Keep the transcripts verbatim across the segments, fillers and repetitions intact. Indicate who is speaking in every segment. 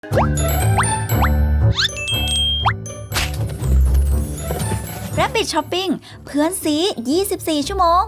Speaker 1: Rabbit Shopping เพื่อนซียี่สิบสี่ ชั่วโมง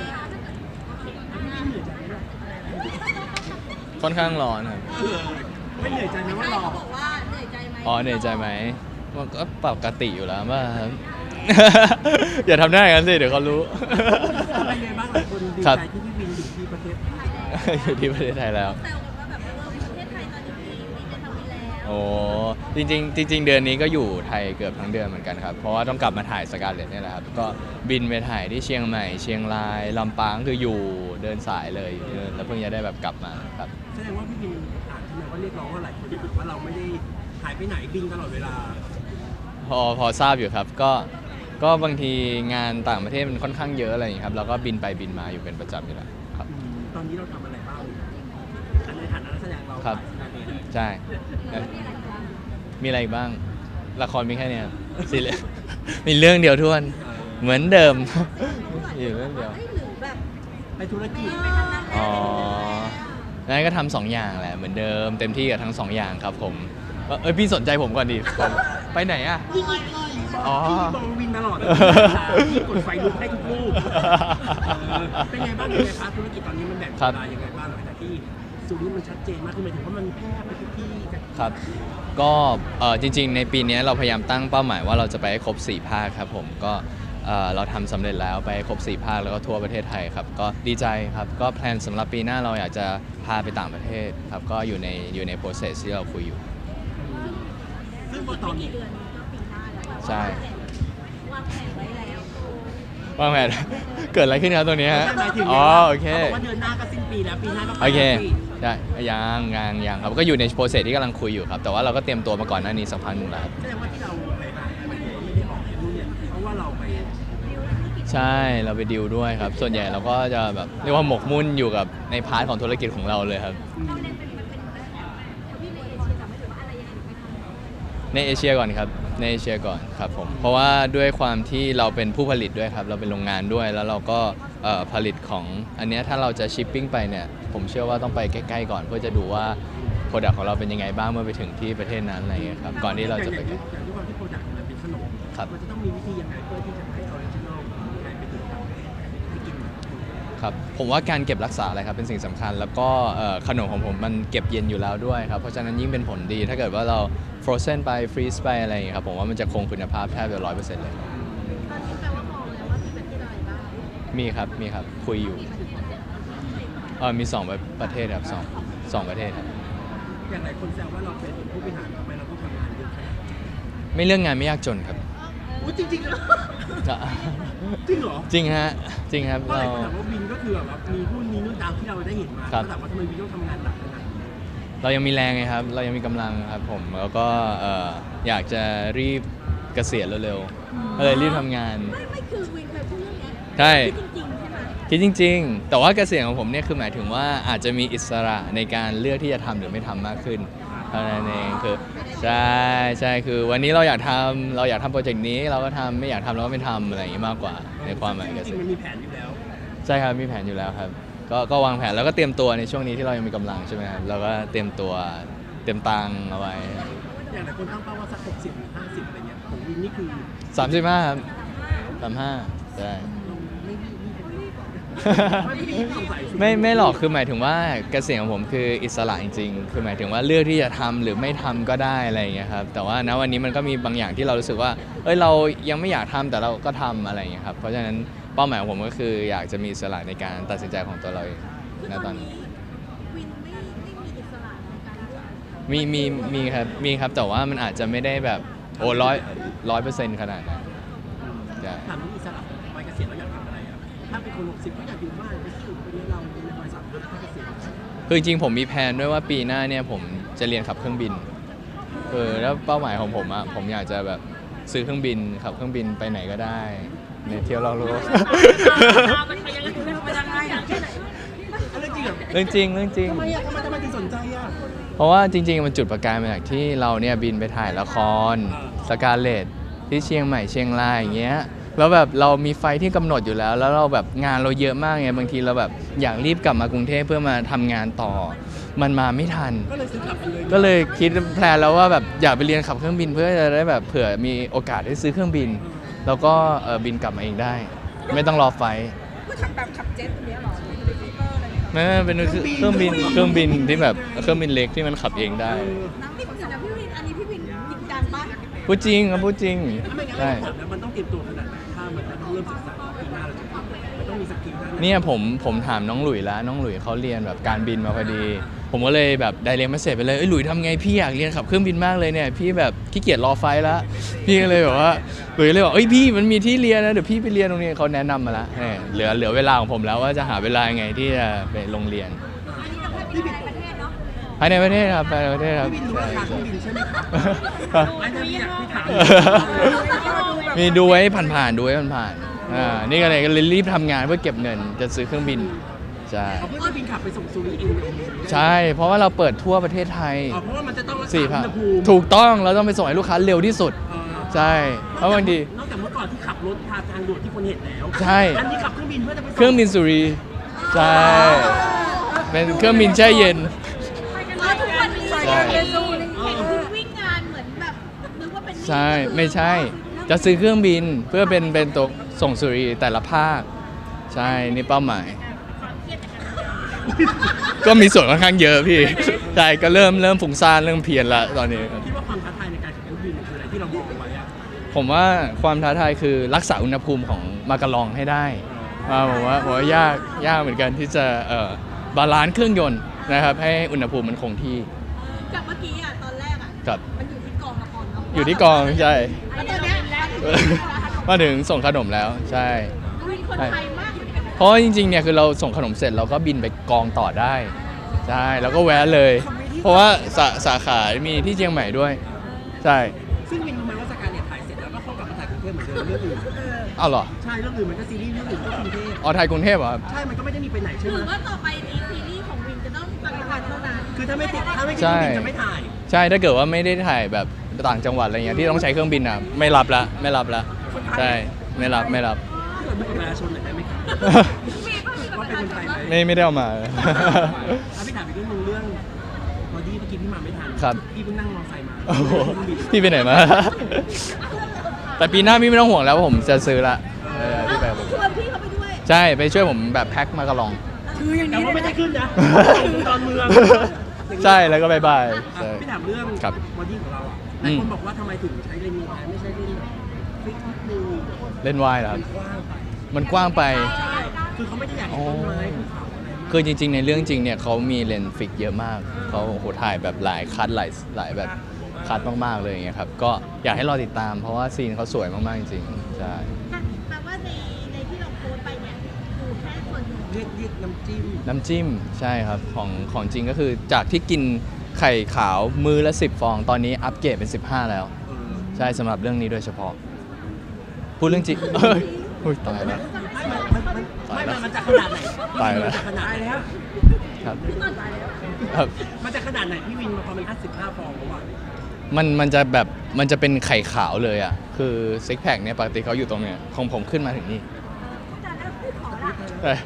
Speaker 2: ค่อนข้างร้อนครับ
Speaker 3: ไม่เหนื่อยใจไหมว่าเรา
Speaker 4: บอกว่าเหนื่อยใจไหม
Speaker 2: อ๋อเหนื่อยใจไหมมันก็ปกติอยู่แล้วป่ะครับ อย่าทำได้กันสิเดี๋ยวเขารู้
Speaker 3: อะไรไงบ้างหลายคนดีใจที่พี่วินอยู่ที่ประเทศไทย
Speaker 2: อยู่ที่ประเทศไทยแล้ว
Speaker 4: แซวกันว่าแบบเออประเทศไทยตอนนี้มีมีจะทำนี้แล้ว
Speaker 2: โอ้จริงๆจริงๆเดือนนี้ก็อยู่ไทยเกือบทั้งเดือนเหมือนกันครับเพราะว่าต้องกลับมาถ่ายสกาเลตนี่แหละครับก็บินไปถ่ายที่เชียงใหม่เชียงรายลำปางคืออยู่เดินสายเลยแล้วเพิ่งจะได้แบบกลับมาครับ
Speaker 3: แสดงว่าพี่วินอ่านทำไมว่าเรียกร้องว่าหลายคนบอกว่าเราไม่ได้หายไปไหนบินตลอดเวลา
Speaker 2: พอพอทราบอยู่ครับก็ก็บางทีงานต่างประเทศมันค่อนข้างเยอะอะไรอย่างนี้ครับเราก็บินไปบินมาอยู่เป็นประจำอยู่แล้วครับ
Speaker 3: ตอนนี้เราทำอะไรบ้างในฐานะนักแสดงเรา
Speaker 2: ครับใช่มีอะไรบ้างละครมีแค่นี้ซีรีส์มีเรื่องเดียวทวนเหมือนเดิมอยู่เรื่องเดียว
Speaker 3: ไปธุรกิจ
Speaker 2: อ๋องั้นก็ทำสองอย่างแหละเหมือนเดิมเต็มที่กับทั้งสองอย่างครับผมเอ้ยพี่สนใจผมก่อนดิไปไหนอ่ะอ๋อ
Speaker 3: พี่บอลวินตลอดพี่กดไฟลุกให้ทุกรูปเป็นไงบ้างในพาร์ทธุรกิจตอนนี้มันแบ่งเวลายังไงบ้างหลังจากที่ซูนี่มันชัดเจนมากขึ้นหมายถึงว่ามันแพร่ไปทุกที่
Speaker 2: ครับก็จริงๆในปีนี้เราพยายามตั้งเป้าหมายว่าเราจะไปให้ครบสี่ภาคครับผมก็เราทำสำเร็จแล้วไปครบสี่ภาคแล้วก็ทั่วประเทศไทยครับก็ดีใจครับก็แพลนสำหรับปีหน้าเราอยากจะพาไปต่างประเทศครับก็อยู่ในอยู่ใน process ที่เราคุยอยู่
Speaker 3: ซึ่งตอนนี้
Speaker 2: ใช่
Speaker 4: วางแผนไว้แล้ว
Speaker 2: วางแผนเกิดอะไรขึ้นครับตรงนี้ฮะอ๋อโอเค
Speaker 3: เขาบอกว่าเดือนหน้าก็สิ้นปีแล้วปีหน้าก็
Speaker 2: โอเคได้ยังยังยังครับก็อยู่ในโปรเซสที่กำลังคุยอยู่ครับแต่ว่าเราก็เตรียมตัวมาก่อนหน้านี้สักพักหนึ่งแล้วครับ
Speaker 3: แสดงว่าที่เราไปหาไม่ได้ออกนู่นเนี่ยเพราะว่าเราไป
Speaker 2: ใช่เราไปดิวด้วยครับส่วนใหญ่เราก็จะแบบเรียกว่าหมกมุ่นอยู่กับในพาร์ทของธุรกิจของเราเลยครับในเอเชียก่อนครับในเอเชียก่อนครับผมเพราะว่าด้วยความที่เราเป็นผู้ผลิตด้วยครับเราเป็นโรงงานด้วยแล้วเราก็ผลิตของอันนี้ถ้าเราจะชิปปิ้งไปเนี่ยผมเชื่อว่าต้องไปใกล้ๆก่อนเพื่อจะดูว่าโปรดักต์ของเราเป็นยังไงบ้างเมื่อไปถึงที่ประเทศนั้นอะไรอย่างเงี้ยครับก่อนที่เราจะไป
Speaker 3: อย่างที่ความที่โปรดักต์มันเป็นขนมมันจะต้องมีวิธียังไงเพื่อที่จะให้ออริจินอลไปถึงทางให้กิน
Speaker 2: ครับผมว่าการเก็บรักษาอะไรครับเป็นสิ่งสำคัญแล้วก็ขนมของผมมันเก็บเย็นอยู่แล้วด้วยครับเพราะฉะนั้นยิ่งเป็นผลดีถ้าเกิดว่าเราฟรอเซนไปฟรีซไปอะไรอย่างเงี้ยครับผมว่ามันจะคงคุณภาพแทบจะร้อยเปอร์เซ็นต์เลย
Speaker 4: ตอนนี้แปลว่ามองแล้วว่ามีประเทศอะไรบ้าง
Speaker 2: มีครับมีครับคุยอยู่เออมีสองประเทศครับสองสองประเทศครับ
Speaker 3: อย่างหลายคนแซวว่าเราเป็นผู้บริหารทำไมเราต้องทำงานเยอะขนาดนี้
Speaker 2: ไม่เรื่องงานไม่ยากจนครับ
Speaker 3: อู้จริงจริงเหรอจริงเหรอ
Speaker 2: จริงฮะจริงครับ
Speaker 3: เราแต่ว่าวินก็คือแบบมีหุ้นมีนู่นตามที่เราได้เห็นมาแต่ว่าทำไมวินต้องทำงานหนักขนาดนี้
Speaker 2: เรายังมีแรงไงครับเรายังมีกำลังครับผมแล้วก็อยากจะรีบเกษียณเร็วๆก็เลยรีบทำงาน
Speaker 4: ไม่ไม่คือวินเคยพูดเรื่องนี้
Speaker 2: ใช่
Speaker 4: จริงๆใช่ไหม
Speaker 2: คิดจริงๆแต่ว่าเกษียณของผมเนี่ยคือหมายถึงว่าอาจจะมีอิสระในการเลือกที่จะทำหรือไม่ทำมากขึ้นเท่านั้นเองคือใช่ใช่คือวันนี้เราอยากทำเราอยากทำโปรเจกต์นี้เราก็ทำไม่อยากทำเราก็ไม่ทำอะไรอย่างนี้มากกว่าในความหมายเกษียณ
Speaker 3: มันมีแผนอยู่แล้ว
Speaker 2: ใช่ครับมีแผนอยู่แล้วครับก็ก็วางแผนแล้วก็เตรียมตัวในช่วงนี้ที่เรายังมีกำลังใช่ไหมครับเราก็เตรียมตัวเตรียมตังเอาไว้
Speaker 3: อย่างหลายคนตั้งเป้าว่าสักหกสิบหรือห้าสิบอะไรเงี้ยของวินนี่คือ
Speaker 2: สามสิบห้าครับสามห้าใช่ไม่ไม่หรอกคือหมายถึงว่าเกษียณของผมคืออิสระจริงๆคือหมายถึงว่าเลือกที่จะทำหรือไม่ทำก็ได้อะไรอย่างเงี้ยครับแต่ว่าณวันนี้มันก็มีบางอย่างที่เรารู้สึกว่าเอ้ยเรายังไม่อยากทำแต่เราก็ทำอะไรอย่างเงี้ยครับเพราะฉะนั้นเป้าหมายของผมก็คืออยากจะมีอิสระในการตัดสินใจของตัวเราเองณตอนนี้
Speaker 4: วินไม่ไม่มีอิสระในการเลือก
Speaker 2: มีมีมีครับมีครับแต่ว่ามันอาจจะไม่ได้แบบโอ้ร้อยร้อยเปอร์เซ็นต์ขนาดนั้น
Speaker 3: ถามว่าอิสระวัยเกษียณเราอยากทำอะไรอ่ะถ้าเป็นคนหกสิบก็อยากอยู่บ้านไปที่อื่นไปเรียนเราในวัยสามสิบห้าเกษียณ
Speaker 2: คือจริงๆผมมีแผนด้วยว่าปีหน้าเนี่ยผมจะเรียนขับเครื่องบินเออแล้วเป้าหมายของผมอ่ะผมอยากจะแบบซื้อเครื่องบินขับเครื่องบินไปไหนก็ได้ในเที่ยวรอบโลกเรื่องจริงเรื่องจริง
Speaker 3: ทำไมอ่ะทำไมทำไมถึงสนใจอ่ะ
Speaker 2: เพราะว่าจริงๆมันจุดประกายมาจากที่เราเนี่ยบินไปถ่ายละครสกาเลตที่เชียงใหม่เชียงรายอย่างเงี้ยแล้วแบบเรามีไฟที่กำหนดอยู่แล้ว แล้วเราแบบงานเราเยอะมากไงบางทีเราแบบอยากรีบกลับมากรุงเทพเพื่อมาทำงานต่อ มันมาไม่ทัน
Speaker 3: ก็เลยซื้อกลับไปเลย
Speaker 2: ก็เลยคิดแพลนแล้วว่าแบบอยากไปเรียนขับเครื่องบินเพื่อจะได้แบบเผื่อมีโอกาสได้ซื้อเครื่องบิน แล้วก็เออบินกลับมาเองได้ ไม่ต้องรอไฟล์
Speaker 4: ก็ทำแบบขับเจ็ตตัวเนี้ยเหรอเฮลิคอปเตอร์อะไรเนี่ย
Speaker 2: ไม่ไม่เป็นเครื่องบินเครื่องบินที่แบบเครื่องบินเล็กที่มันขับเองได้
Speaker 4: น้ำพี่วินนะพี่วินอันนี้พี่วินจริงจังปะ
Speaker 2: พูดจริงครับพูดจริง
Speaker 3: ถ้าไม่งั้น
Speaker 2: ใช่
Speaker 3: เราแล้วมันต้องเตรียมตัวขนาดไหนถ้ามันต้องเริ่มศึกษาปีหน้าเราจะทำมันต้องมีสกิลด้าน
Speaker 2: เนี่ยผมผมถามน้องหลุยแล้วน้องหลุยเขาเรียนแบบการบินมาพอดี ผมก็เลยแบบไดเรกมาเสร็จไปเลยเอ้ยหลุยทำไงพี่อยากเรียนขับเครื่องบินมากเลยเนี่ยพี่แบบขี้เกียจรอไฟล์แล้วพี่ก็เลยแบบว่าหลุยเลยบอกเอ้ยพี่มันมีที่เรียนนะเดี๋ยวพี่ไปเรียนตรงนี้เขาแนะนำมาละเนี่ยเหลือเหลือเวลาของผมแล้วว่าจะหาเวลายังไงที่จะไปโรงเรียน
Speaker 4: อันนี้เราแค่บินในประเทศเนาะ
Speaker 2: ภายในประเทศครับภายในประเทศครับ
Speaker 3: พี่บินรู้ราคาเครื่องบินใช่ไหมครับ
Speaker 2: ใช่
Speaker 3: ไม่ได้พี่อยากพี่ถาม
Speaker 2: มีดูไว้ผ่านๆดูไว้ผ่านๆอ่านี่ก็เลยก็เลยรีบทำงานเพื่อเก็บเงินจะซื้อเครื่องบินใช่
Speaker 3: เอาเพื่อจะบินขับไปส่งซูริเอง
Speaker 2: ใช่เพราะว่าเราเปิดทั่วประเทศไทย
Speaker 3: อ๋อเพราะว่ามันจะต้องรักษา
Speaker 2: สี่
Speaker 3: อุ
Speaker 2: พั
Speaker 3: ณ
Speaker 2: น
Speaker 3: หภูมิ
Speaker 2: ถูกต้องเราต้องไปส่งให้ลูกค้าเร็วที่สุด
Speaker 3: เอ่อ
Speaker 2: ใช่เพราะบางที
Speaker 3: นอกจากเมื่อก่อนที่ขับรถทางทางด่วนที่คนเห็นแล้ว
Speaker 2: ใช่
Speaker 3: อันนี้ขับเครื่องบินเพื่อจะไปส่ง
Speaker 2: เครื่องบินสุรีใช่เป็นเครื่องบินแช่เย็น
Speaker 4: แล้วทุกวันนี้
Speaker 2: ใช่
Speaker 4: เห็นคุณวิ่งงานเหมือนแบบนึกว่าเป็น
Speaker 2: ใช่ไม่ใช่ จะซื้อเครื่องบินเพื่อเป็นเป็นตัวส่งสุรีแต่ละภาค ใช่นี่เป้าหมาย ก็มีส่วนค่อนข้างเยอะพี่ใช่ก็เริ่มเริ่มฝุ่งซ่านเริ่มเพียนละตอนนี้
Speaker 3: คิดว่าความท้าทายในการขับเครื่องบินคืออะไรที่เรามองไว้อะ
Speaker 2: ผมว่าความท้าทายคือรักษาอุณหภูมิของมากะลองให้ได้อ่าผมว่าผมว่ายากยากเหมือนกันที่จะเอ่อบาลานซ์เครื่องยนต์นะครับให้อุณหภูมิมันคงที่
Speaker 4: กับเมื่อกี้อ่ะตอนแรกอ่ะ
Speaker 2: กับ
Speaker 4: มันอยู่ที่กองละครเนาะ
Speaker 2: อยู่ที่กองใช่
Speaker 4: แล้วตอนเนี้ย
Speaker 2: มาถึงส่งขนมแล้วใช่
Speaker 4: วินคนไทยมากอยู่กันนะ
Speaker 2: เพราะว่าจริงๆเนี่ยคือเราส่งขนมเสร็จเราก็บินไปกองต่อได้ใช่แล้วก็แวะเลย เพราะว่าสาสาขามีที่เชียงใหม่ด้วยใช่
Speaker 3: ซึ่งวินรู้ไหมว่าสการเนี่ยถ่ายเสร็จแล้วก็เข้ากลับมาถ่ายกรุงเทพเหมือนเดิมเรื่องอื่น
Speaker 2: เอาเหรอ
Speaker 3: ใช่เรื่องอื่นมันก็ซีรีส์เรื่องอื่นก็กรุงเทพ
Speaker 2: อ๋อไทยกรุงเทพเหรอครับ
Speaker 3: ใช่มันก็ไม่ได้มีไปไหนใช่
Speaker 4: ถื
Speaker 3: ไหม
Speaker 4: อว่าต่อไปนี้ซีรีส์ของวินจะต้องต่างจังหวัดเท่านั้น
Speaker 3: คือถ้าไม่ติดถ้าไม่ติดเครื่องบินจะไม่ถ่าย
Speaker 2: ใช่ถ้าเกิดว่าไม่ได้ถ่ายแบบต่างจังหวัดอะไรเงี้ยที่ต้องใช้เครื่องบินอ่ะไม่รับละไม่รับละใช่ไม่รับไม่รับ
Speaker 3: ถ้าเกิดมีประชาชนหน่อยได้ไหมครับ
Speaker 4: มีป่ะมีแบบ
Speaker 3: ว่าเป็นคนไทยไหม
Speaker 2: ไม่ไม่ได้เอามา
Speaker 3: อ่ะพี่ถามอีกเรื่องหนึงเรื่องบอดี้เมื่อกี้พี่มาไม่ทัน
Speaker 2: ครับ
Speaker 3: พี่เพิ่งนั่งมอเตอร์ไซค์มา
Speaker 2: โอ้โห
Speaker 3: เครื่องบิน
Speaker 2: พี่ไปไหนมา แต่ปีหน้าพี่ไม่ต้องห่วงแล้วว่าผมจะซื้อละเออพี่ไปกับผม
Speaker 4: ชวนพี่เขาไปด้วย
Speaker 2: ใช่ไปช่วยผมแบบแพ็คมากระลอง
Speaker 4: คืออย่าง
Speaker 3: แต่
Speaker 4: นี้
Speaker 3: ว่าไม่ได้ขึ้นนะอยู่ตอนเมือง
Speaker 2: ใช่แล้วก็บายบาย
Speaker 3: อ่ะ
Speaker 2: ใช่
Speaker 3: พี่ถามเรื่อง
Speaker 2: ครับ
Speaker 3: บอดี้ของเราอ่ะหลายคนบอกว่าทำไมถึงใช้เลนส์วายไม่ใช่เลนส์แบบฟิกนิดนึง
Speaker 2: เล่นวายเหรอค
Speaker 3: มั
Speaker 2: รับ
Speaker 3: นกว้างไป
Speaker 2: มันกว้างไป
Speaker 3: ใช่คือเขาไม่ได้อยากเห็นต้นไม้ภูเขาอะไรมาก
Speaker 2: คือจริงๆ ในเรื่องจริงเนี่ยเขามีเลนส์ฟิกเยอะมาก เขาโอ้โหถ่ายแบบหลายคัดหลายหลายแบบคัดมากๆเลยอย่างเงี้ยครับ ก็อยากให้รอติดตามเพราะว่าซีนเขาสวยมากๆจริงๆ ใช่
Speaker 4: แปลว่าในในที่เราโพสต์ไปเนี่ยคือแค่ส่วนหนึ่ง
Speaker 3: เรียกเรียกน้ำจิ้ม
Speaker 2: น้ำจิ้มใช่ครับของของจริงก็คือจากที่กินไข่ขาวมือละสิบฟอง ตอนนี้อัปเกรดเป็นสิบห้าแล้ว
Speaker 3: เออ
Speaker 2: ใช่สำหรับเรื่องนี้โดยเฉพาะ พูดเรื่องจริงเอ้ยอุ๊ยตายแล้ว
Speaker 3: ไม่มันมันไม่มันมันจะขนาดไหน
Speaker 2: ตายแล้ว
Speaker 3: มันจะขนาดแล้ว
Speaker 2: ครับ
Speaker 4: พี่ต้นตายแล้ว
Speaker 2: ครับ
Speaker 3: มันจะขนาดไหนพี่วินมาพอมันห้าสิบห้าฟองแล้วอ่ะ
Speaker 2: มันมันจะแบบมันจะเป็นไข่ขาวเลยอ่ะ คือซิกแพคเนี่ยปกติเขาอยู่ตรงเนี้ยของผมขึ้นมาถึงนี่
Speaker 4: แต่แล้วพี่ขอละ
Speaker 2: เอ้ย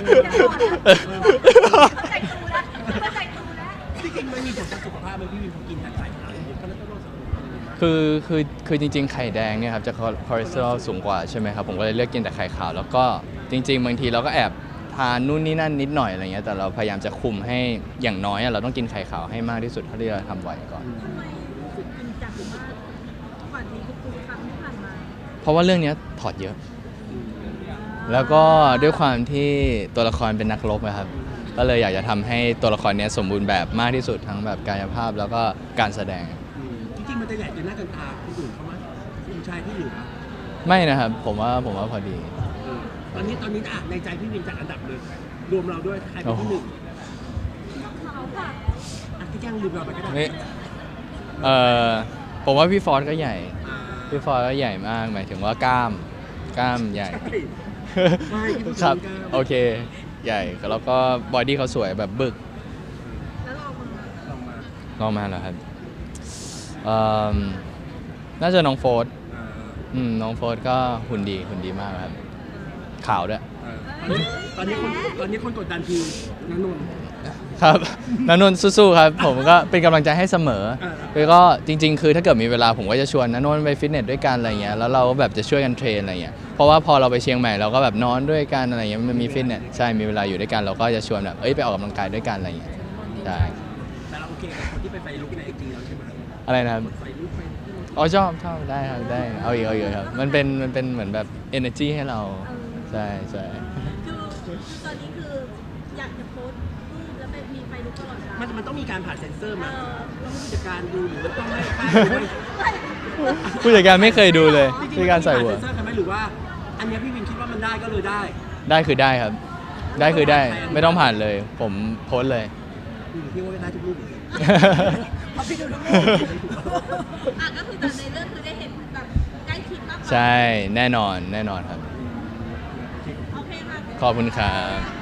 Speaker 4: เข้าใจตูแล้วเข้าใจตูแล้ว
Speaker 3: ที่จริงมันมีผลต่อสุขภาพไหมพี่วินพอกินแต่ไข่ขาวเนี่ยก็น่าจะต้องสนุก
Speaker 2: คือคือคือจริงๆ ไข่แดงเนี่ยครับจะคอเลสเตอรอลสูงกว่าใช่ไหมครับ ผมก็เลยเลือกกินแต่ไข่ขาว แล้วก็จริง ๆ บางทีเราก็แอบทานนู่นนี่นั่นนิดหน่อยอะไรเงี้ยแต่เราพยายามจะคุมให้อย่างน้อยอะเราต้องกินไข่ขาวให้มากที่สุดเท่าที่เราทำไหวก่อน
Speaker 4: ทำไมรู้สึกจริงจังมากกว่านี้ทุกๆครั้งที่ผ่านมา
Speaker 2: เพราะว่าเรื่องเนี้ยถอดเยอะ แล้วก็ด้วยความที่ตัวละครเป็นนักรบนะครับ ก็เลยอยากจะทำให้ตัวละครเนี้ยสมบูรณ์แบบมากที่สุดทั้งแบบกายภาพแล้วก็การแสดง
Speaker 3: อืมจริงๆมันจะใหญ่เกินหน้าเกินตาคนอื่นเขาไหมผู้ชายที่เหลือ
Speaker 2: ไม่นะครับผมว่าผมว่าพอดี
Speaker 3: เออตอนนี้ตอนนี้อ่ะในใจพี่วินจัดอันดับเลย รวมเราด้วยใครเป็นที่หนึ่ง
Speaker 4: เขาค่ะ
Speaker 3: อ่ะที่แจ้งลืมเราไปก็ได้
Speaker 2: นี่เอ่อผมว่าพี่ฟอร์ดก็ใหญ่
Speaker 3: อ่า
Speaker 2: พี่ฟอร์ดก็ใหญ่มากหมายถึงว่ากล้ามกล้ามใหญ่
Speaker 3: ใช่ใช่ที่พูดถึง
Speaker 2: ครับ
Speaker 3: กล้าม
Speaker 2: โอเคใหญ่แล้วก็บอดี้เขาสวยแบบบึก
Speaker 4: แล้วเรามา
Speaker 3: ลองมา
Speaker 2: ลองมาเหรอครับเอิ่มน่าจะน้องโฟร์ด
Speaker 3: อ่า
Speaker 2: อืมน้องโฟร์ก็หุ่นดีหุ่นดีมากครับขาวด้วย
Speaker 3: เออตอนนี้ตอนนี้คนตอนนี้คนกดดันคือนันนนท์
Speaker 2: ครับนันนนท์สู้ๆครับผมก็เป็นกำลังใจให้เสมอ
Speaker 3: เออ
Speaker 2: แล้วก็จริงๆ คือถ้าเกิดมีเวลาผมก็จะชวนนันนนท์ไปฟิตเนสด้วยกันอะไรเงี้ยแล้วเราแบบจะช่วยกันเทรนอะไรเงี้ยเพราะว่าพอเราไปเชียงใหม่เราก็แบบนอนด้วยกันอะไรเงี้ยมันมีฟิตเนสใช่มีเวลาอยู่ด้วยกันเราก็จะชวนแบบเอ้ยไปออกกำลังกายด้วยกันอะไรเงี้ยใช่
Speaker 3: แต่เราโอเคกับคนที่ไปไฟลุกในไอจีเราใช่ไหม
Speaker 2: อะไรนะครับ
Speaker 3: ไฟลุกไฟ
Speaker 2: อ๋อชอบชอบได้ครับได้เอาอีกเอาอีกครับมันเป็นมันเป็นเหมือนแบบ energy ให้เราใช่ใช่
Speaker 4: คือคือตอนนี้คืออยากจะโพสต์รูปแล้วเป็นมีไฟลุกตลอดเวลา
Speaker 3: มันมันต้องมีการผ่านเซ็นเซอร์
Speaker 4: เอ
Speaker 3: มา
Speaker 4: อ
Speaker 3: ต้องผู้จัดการดูหรือว่าต้องให้ค่าย
Speaker 2: ผู้จัดการไม่เคยดูเลย
Speaker 3: จริงๆ
Speaker 2: ผู้จัดการใส่หัว
Speaker 3: มันต้องมีผ่านเซ็นเซอร์กันไหมหรือว่าอันเนี้ยพี่วินคิดว่ามันได้ก็เลยได้
Speaker 2: ได้คือได้ครับ ได้คือได้ไม่ต้องผ่านเลย ผมโพสต์เลย
Speaker 3: อืมพี่ว่าได้ทุกรูปเหมือนกัน
Speaker 4: เขาไปดูทั้งหมดอ่ะก็คือแต่ในเรื่องคือได้เห็นแบบใกล้ชิดมากกว่า
Speaker 2: ใช่แน่นอนแน่นอนครับ
Speaker 4: โอเคค่ะ
Speaker 2: ขอบคุณครับ